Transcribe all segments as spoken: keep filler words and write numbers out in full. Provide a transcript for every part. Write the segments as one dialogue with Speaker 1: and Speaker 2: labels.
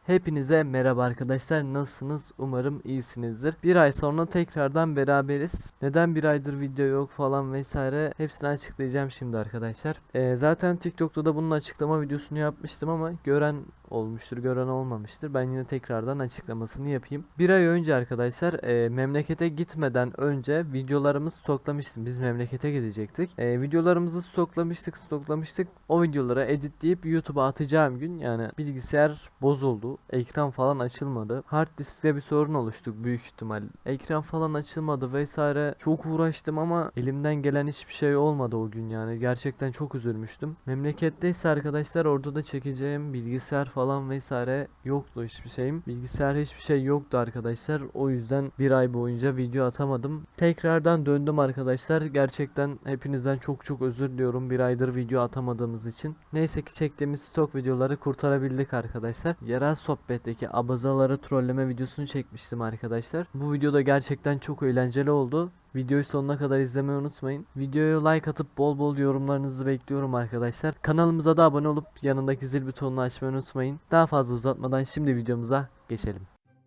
Speaker 1: Hepinize merhaba arkadaşlar, nasılsınız? Umarım iyisinizdir. Bir ay sonra tekrardan beraberiz. Neden bir aydır video yok falan vesaire hepsini açıklayacağım şimdi arkadaşlar. Ee, zaten TikTok'ta da bunun açıklama videosunu yapmıştım ama gören olmuştur, gören olmamıştır. Ben yine tekrardan açıklamasını yapayım. Bir ay önce arkadaşlar e, memlekete gitmeden önce videolarımızı stoklamıştım. Biz memlekete gidecektik. E, videolarımızı stoklamıştık, stoklamıştık. O videoları editleyip YouTube'a atacağım gün yani bilgisayar bozuldu. Ekran falan açılmadı. Hard diskte bir sorun oluştu büyük ihtimal. Ekran falan açılmadı vesaire. Çok uğraştım ama elimden gelen hiçbir şey olmadı o gün yani. Gerçekten çok üzülmüştüm. Memleketteyse arkadaşlar orada da çekeceğim bilgisayar falan vesaire yoktu hiçbir şeyim. Bilgisayar hiçbir şey yoktu arkadaşlar. O yüzden bir ay boyunca video atamadım. Tekrardan döndüm arkadaşlar. Gerçekten hepinizden çok çok özür diliyorum bir aydır video atamadığımız için. Neyse ki çektiğimiz stok videoları kurtarabildik arkadaşlar. Yerel sohbetteki abazaları trolleme videosunu çekmiştim arkadaşlar. Bu videoda gerçekten çok eğlenceli oldu. Videoyu sonuna kadar izlemeyi unutmayın. Videoya like atıp bol bol yorumlarınızı bekliyorum arkadaşlar. Kanalımıza da abone olup yanındaki zil butonunu açmayı unutmayın. Daha fazla uzatmadan şimdi videomuza geçelim.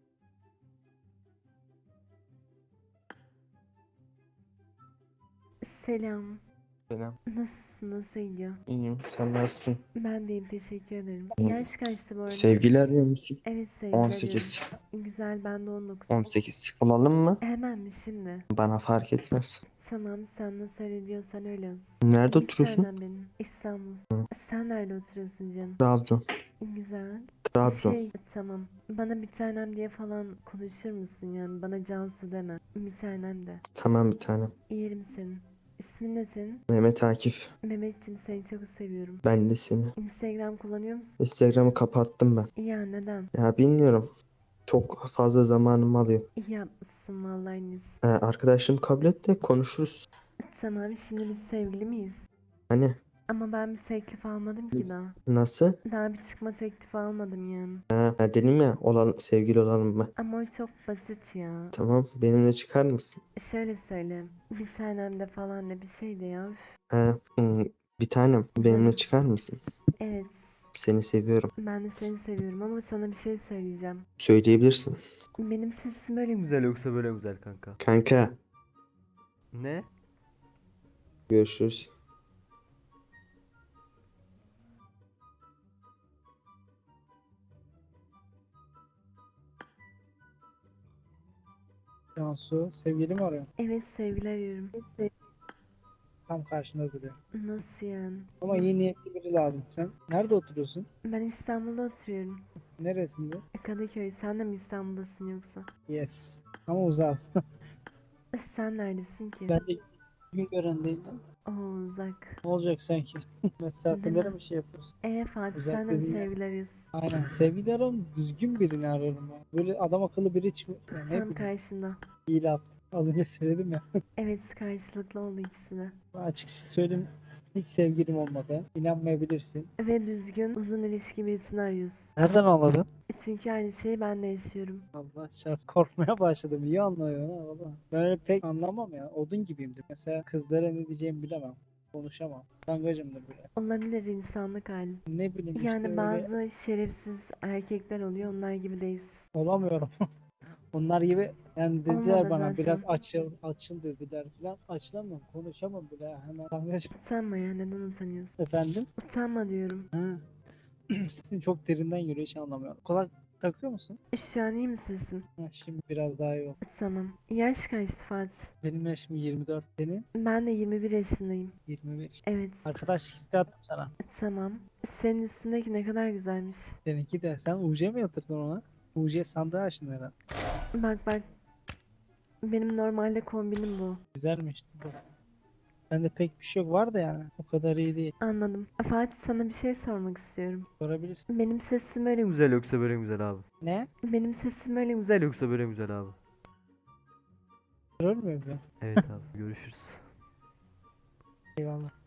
Speaker 2: Selam.
Speaker 3: Selam.
Speaker 2: Nasılsın? Nasıl gidiyor?
Speaker 3: İyiyim. Sen nasılsın?
Speaker 2: Ben deyim teşekkür ederim.
Speaker 3: Hı.
Speaker 2: Yaş kaçtı bu arada?
Speaker 3: Sevgili arıyor musun?
Speaker 2: Evet sevgili arıyorum.
Speaker 3: on sekiz.
Speaker 2: Güzel ben de on dokuz.
Speaker 3: on sekiz. Olalım mı?
Speaker 2: Hemen mi şimdi?
Speaker 3: Bana fark etmez.
Speaker 2: Tamam sen nasıl öyle diyorsan öyle olsun.
Speaker 3: Nerede
Speaker 2: Bir
Speaker 3: oturuyorsun?
Speaker 2: tanem benim. İstanbul.
Speaker 3: Hı.
Speaker 2: Sen nerede oturuyorsun canım?
Speaker 3: Trabzon.
Speaker 2: Güzel.
Speaker 3: Trabzon.
Speaker 2: Şey tamam. Bana bir tanem diye falan konuşur musun yani? Bana Cansu deme. Bir tanem de.
Speaker 3: Tamam bir tanem.
Speaker 2: Yerim senin. İsmin ne senin?
Speaker 3: Mehmet Akif.
Speaker 2: Mehmetciğim seni çok seviyorum.
Speaker 3: Ben de seni.
Speaker 2: Instagram kullanıyor musun?
Speaker 3: Instagram'ı kapattım ben.
Speaker 2: Ya neden?
Speaker 3: Ya bilmiyorum. Çok fazla zamanımı alıyor.
Speaker 2: İyi yapmışsın vallahi Enis.
Speaker 3: Ee, arkadaşım kabul et de konuşuruz.
Speaker 2: Tamam şimdi biz sevgili miyiz?
Speaker 3: Hani
Speaker 2: Ama ben bir teklif almadım ki daha.
Speaker 3: nasıl?
Speaker 2: Daha bir çıkma teklifi almadım yani.
Speaker 3: Ha, ha, dedim ya olan, sevgili olalım mı?
Speaker 2: Ama o çok basit ya.
Speaker 3: Tamam benimle çıkar mısın?
Speaker 2: Şöyle söyle. Bir tanem de falan da bir şey de ya. Üf.
Speaker 3: Ha, hmm, bir tanem benimle
Speaker 2: Canım.
Speaker 3: çıkar mısın?
Speaker 2: Evet.
Speaker 3: Seni seviyorum.
Speaker 2: Ben de seni seviyorum ama sana bir şey söyleyeceğim.
Speaker 3: Söyleyebilirsin.
Speaker 2: Benim sesim böyle mi?
Speaker 1: Güzel yoksa böyle güzel kanka.
Speaker 3: Kanka
Speaker 1: Ne?
Speaker 3: görüşürüz.
Speaker 4: Cansu sevgili mi arıyor?
Speaker 2: Evet sevgili arıyorum.
Speaker 4: Tam karşında duruyor.
Speaker 2: Nasıl yani?
Speaker 4: Ama iyi niyetli biri lazım. Sen nerede oturuyorsun?
Speaker 2: Ben İstanbul'da oturuyorum.
Speaker 4: Neresinde?
Speaker 2: Kadıköy. Sen de mi İstanbul'dasın yoksa?
Speaker 4: Yes. Ama uzağız.
Speaker 2: Sen neredesin ki?
Speaker 4: Ben de Güngören'deyim ben.
Speaker 2: Oo uzak.
Speaker 4: Ne olacak sanki? Mesafelere
Speaker 2: mi?
Speaker 4: mi şey yapıyorsun?
Speaker 2: Ee Fatih
Speaker 4: Uzak
Speaker 2: sen de mi
Speaker 4: dediğin yer.
Speaker 2: sevgili arıyorsun?
Speaker 4: Aynen. Sevgili ararım. Düzgün birini ararım ya. Böyle adam akıllı biri çıkıyor. Ya ne
Speaker 2: Tam
Speaker 4: bileyim.
Speaker 2: karşında.
Speaker 4: İyi laf. Az önce söyledim ya.
Speaker 2: Evet karşılıklı oldu ikisi de.
Speaker 4: Ben açıkçası söyleyeyim. Hiç sevgilim olmadı. İnanmayabilirsin.
Speaker 2: Ve düzgün uzun ilişki birisini arıyorsun.
Speaker 4: Nereden anladın?
Speaker 2: Çünkü aynı şeyi ben de yaşıyorum.
Speaker 4: Allah çarp korkmaya başladım. İyi anlıyor ha valla. Ben öyle pek anlamam ya. Odun gibiyimdir. Mesela kızlara ne diyeceğimi bilemem. Konuşamam. Utangacımdır bile.
Speaker 2: Olabilir insanlık hali.
Speaker 4: Ne bileyim işte
Speaker 2: Yani
Speaker 4: öyle
Speaker 2: bazı şerefsiz erkekler oluyor onlar gibi değiliz.
Speaker 4: olamıyorum. Onlar gibi yani dediler
Speaker 2: Olmadı
Speaker 4: bana
Speaker 2: zaten.
Speaker 4: biraz açıl açıl dediler falan. Açılamam, konuşamam bile ya. Hemen utangacım.
Speaker 2: Utanma ya neden utanıyorsun?
Speaker 4: Efendim?
Speaker 2: Utanma diyorum.
Speaker 4: Ha. Sesin çok derinden geliyor hiç anlamıyorum. Kulak takıyor musun?
Speaker 2: Şu an iyi mi sesim?
Speaker 4: Ha, şimdi biraz daha iyi oldu.
Speaker 2: Tamam. Yaş kaçtı Fatih?
Speaker 4: Benim yaşım yirmi dört. Senin?
Speaker 2: Ben de yirmi bir yaşındayım.
Speaker 4: yirmi beş.
Speaker 2: Evet.
Speaker 4: Arkadaşlık istedim sana.
Speaker 2: Tamam. Senin üstündeki ne kadar güzelmiş.
Speaker 4: Seninki de. Sen U C mi yatırdın ona? U C sandığı açtın herhalde.
Speaker 2: Bak bak. Benim normalde kombinim bu.
Speaker 4: Güzelmiş. Bende pek bir şey yok var da yani. O kadar iyi değil.
Speaker 2: Anladım. Fatih sana bir şey sormak istiyorum.
Speaker 4: Sorabilirsin.
Speaker 2: Benim sesim öyle mi?
Speaker 1: Güzel yoksa böyle güzel abi.
Speaker 4: Ne?
Speaker 2: Benim sesim öyle mi?
Speaker 1: Güzel yoksa böyle güzel abi.
Speaker 4: Sorur mu öyle?
Speaker 1: Evet abi görüşürüz.
Speaker 4: Eyvallah.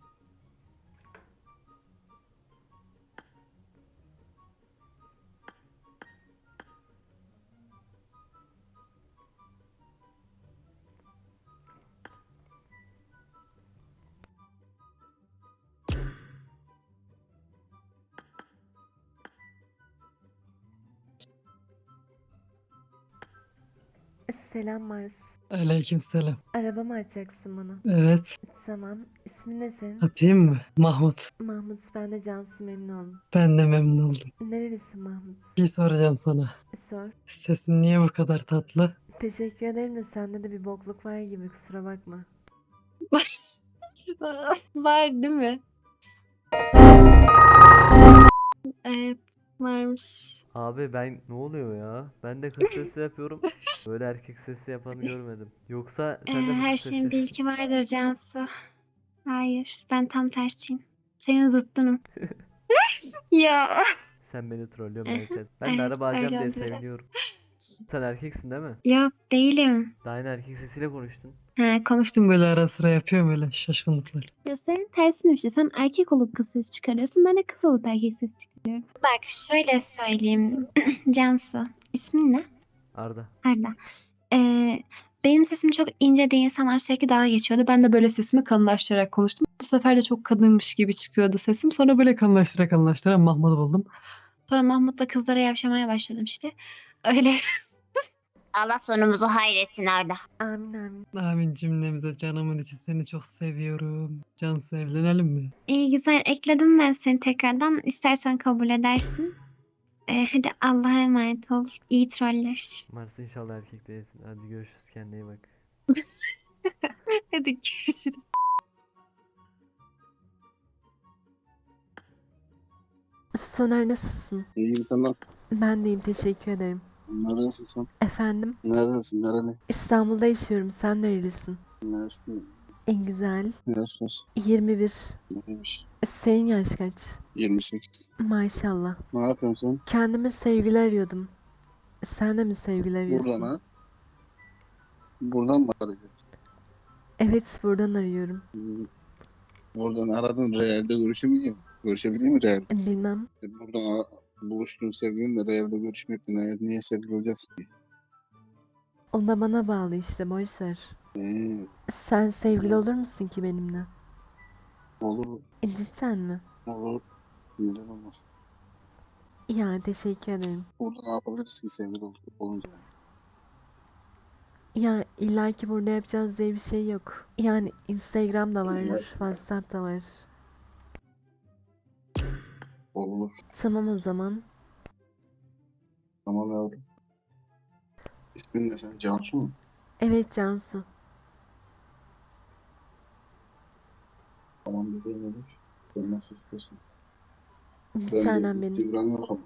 Speaker 2: Selam Mars.
Speaker 3: Aleykümselam.
Speaker 2: Araba mı açacaksın bana?
Speaker 3: Evet.
Speaker 2: Tamam. İsmin ne senin?
Speaker 3: Atayım mı? Mahmut.
Speaker 2: Mahmut. Ben de Cansu, memnun oldum.
Speaker 3: Ben de memnun oldum.
Speaker 2: Nerelisin Mahmut?
Speaker 3: Bir şey soracağım sana.
Speaker 2: Sor.
Speaker 3: Sesin niye bu kadar tatlı?
Speaker 2: Teşekkür ederim de sende de bir bokluk var gibi, kusura bakma.
Speaker 5: Var değil mi? Evet, varmış.
Speaker 1: Abi ben ne oluyor ya? Ben de kız sesi yapıyorum. Böyle erkek sesi yapanı görmedim. Yoksa
Speaker 5: Ee,
Speaker 1: sen de mi
Speaker 5: her
Speaker 1: kız
Speaker 5: şeyin bir
Speaker 1: sesi?
Speaker 5: ilki vardır Cansu. Hayır, ben tam tersiyim. Senin zıttınım. Ya.
Speaker 1: Sen beni trollüyorsun, ben
Speaker 5: Aha,
Speaker 1: sen. Ben de
Speaker 5: evet,
Speaker 1: araba alacağım
Speaker 5: öyle
Speaker 1: diye
Speaker 5: oldu biraz.
Speaker 1: seviniyorum. Sen erkeksin değil mi?
Speaker 5: Yok, değilim.
Speaker 1: Daha yine erkek sesiyle konuştun.
Speaker 5: Ha, konuştum.
Speaker 3: Böyle ara sıra yapıyorum öyle şaşkınlıklar.
Speaker 5: Ya senin tersin işte. Sen erkek olup kız sesi çıkarıyorsun. Ben de kız olup erkek sesi çıkarıyorum. Bak şöyle söyleyeyim. Cansu. İsmin ne?
Speaker 1: Arda.
Speaker 5: Arda. Ee, benim sesim çok ince diye insanlar sürekli dalga geçiyordu. Ben de böyle sesimi kalınlaştırarak konuştum. Bu sefer de çok kadınmış gibi çıkıyordu sesim. Sonra böyle
Speaker 3: Kalınlaştıra kalınlaştıra Mahmut'u buldum.
Speaker 5: sonra Mahmut'la kızlara yavşamaya başladım işte. Öyle.
Speaker 6: Allah sonumuzu hayretsin Arda.
Speaker 2: Amin amin.
Speaker 3: Amin cümlemize canımın içi seni çok seviyorum. Cansu evlenelim mi?
Speaker 5: İyi güzel ekledim ben seni tekrardan. İstersen kabul edersin. Ee, hadi Allah'a emanet ol. İyi troller.
Speaker 1: Mars, inşallah erkek değilsin. Hadi görüşürüz, kendine iyi bak.
Speaker 5: Hadi görüşürüz.
Speaker 2: Soner, nasılsın?
Speaker 7: İyiyim, sen nasılsın?
Speaker 2: Ben deyim, teşekkür ederim.
Speaker 7: Neredesin sen?
Speaker 2: Efendim?
Speaker 7: Neredesin? Nereli?
Speaker 2: İstanbul'da yaşıyorum. Sen nerelisin?
Speaker 7: Üniversite.
Speaker 2: En güzel.
Speaker 7: Yaş kaç?
Speaker 2: yirmi bir.
Speaker 7: Neymiş?
Speaker 2: Senin yaş kaç?
Speaker 7: yirmi sekiz.
Speaker 2: Maşallah.
Speaker 7: Ne yapıyorsun sen?
Speaker 2: Kendime sevgili arıyordum. Sen de mi sevgili arıyorsun?
Speaker 7: Buradan ha? Buradan mı arayacaksın?
Speaker 2: Evet, buradan arıyorum.
Speaker 7: Hmm. Buradan aradın, realde görüşebileyim. Görüşebileyim mi realde?
Speaker 2: Bilmem.
Speaker 7: E, Buradan a- buluştuğun sevgilinle realde görüşmeyip de niye, niye sevgili olacaksın ki?
Speaker 2: O da bana bağlı işte, boş ver.
Speaker 7: Hmm.
Speaker 2: Sen sevgili olur musun ki benimle?
Speaker 7: Olur,
Speaker 2: E, cidden mi?
Speaker 7: olur. Neden olmaz?
Speaker 2: Ya, teşekkür ederim.
Speaker 7: Burada ne yapabiliriz ki sevgili ol- olunca?
Speaker 2: Ya illaki burada yapacağız diye bir şey yok. Yani Instagram da var, WhatsApp da var.
Speaker 7: Olur.
Speaker 2: Tamam o zaman.
Speaker 7: Tamam yavrum. İsmin ne senin? Cansu mu?
Speaker 2: Evet Cansu.
Speaker 7: Tamam bebeğim olur. Sen nasıl istersin?
Speaker 2: Bir
Speaker 7: Ben de
Speaker 2: tanem benim.
Speaker 7: Instagram yok ama.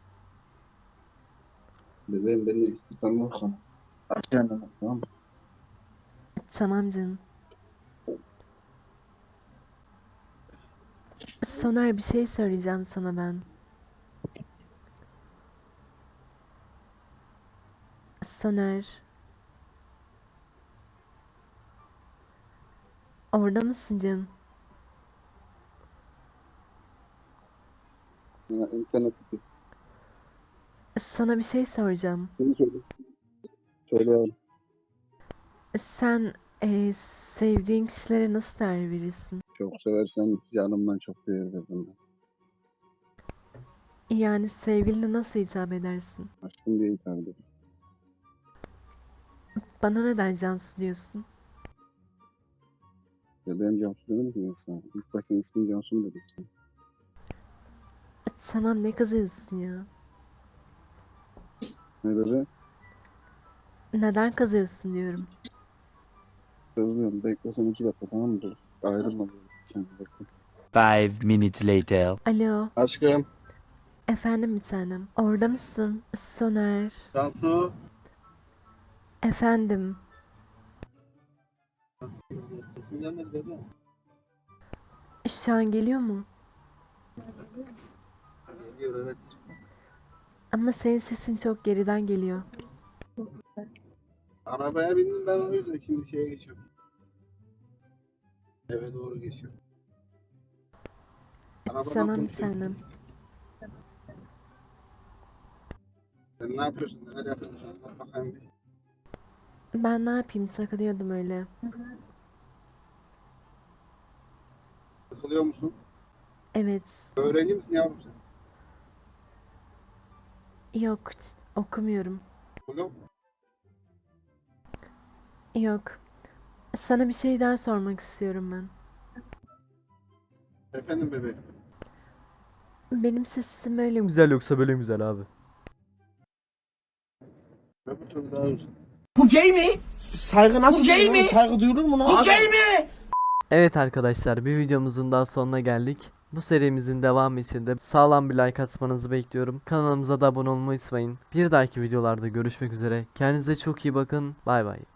Speaker 7: Bebeğim ben de Instagram yok ama. Aç kendine tamam mı?
Speaker 2: Tamam canım. Soner, bir şey söyleyeceğim sana ben. Soner. Orada mısın canım?
Speaker 7: Ya, internet gitti.
Speaker 2: Sana bir şey soracağım.
Speaker 7: Seni söyle. Söyle yavrum.
Speaker 2: Sen eee, sevdiğin kişilere nasıl değer verirsin?
Speaker 7: Çok seversen canımdan çok değer veririm ben.
Speaker 2: Yani sevgiline nasıl hitap edersin?
Speaker 7: Aşkım diye hitap ederim.
Speaker 2: Bana neden Cansu diyorsun?
Speaker 7: Bebeğim Cansu demedim ki ben sana. İlk başta ismin Cansu mu dedim sana.
Speaker 2: Tamam, ne kızıyorsun ya?
Speaker 7: Ne bebeğim?
Speaker 2: Neden kızıyorsun diyorum.
Speaker 7: Kızmıyorum. Bekle sen iki dakika tamam mı? Dur. Ayrılma biz. Sen bekle.
Speaker 8: Five minutes later.
Speaker 2: Alo,
Speaker 7: Aşkım.
Speaker 2: efendim bir tanem. Orada mısın? Soner.
Speaker 7: Cansu.
Speaker 2: Efendim.
Speaker 7: Sesin gelmedi bebeğim.
Speaker 2: Şu an geliyor mu?
Speaker 7: Geliyor evet.
Speaker 2: Ama senin sesin çok geriden geliyor.
Speaker 7: Arabaya bindim ben o yüzden şimdi şeye geçiyorum. Eve doğru geçiyorum. Arabadan
Speaker 2: Tamam bir
Speaker 7: konuşuyorum.
Speaker 2: tanem.
Speaker 7: Sen ne yapıyorsun? Neler yapıyorsun? Anlat bakayım bir.
Speaker 2: Ben ne yapayım, takılıyordum öyle.
Speaker 7: Sıkılıyor musun?
Speaker 2: Evet.
Speaker 7: Öğrenci misin yavrum sen?
Speaker 2: Yok, ç- okumuyorum.
Speaker 7: Oğlum.
Speaker 2: Yok. Sana bir şey daha sormak istiyorum ben.
Speaker 7: Efendim bebeğim.
Speaker 2: Benim sesim öyle mi?
Speaker 1: Güzel yoksa böyle güzel abi.
Speaker 7: Öbür türlü daha uzun.
Speaker 9: Bu gay mi? Saygı nasıl Bu gay mi? Saygı duyulur mu lan? Bu gay mi?
Speaker 1: Evet arkadaşlar, bir videomuzun daha sonuna geldik. Bu serimizin devamı için de sağlam bir like atmanızı bekliyorum. Kanalımıza da abone olmayı unutmayın. Bir dahaki videolarda görüşmek üzere. Kendinize çok iyi bakın. Bay bay.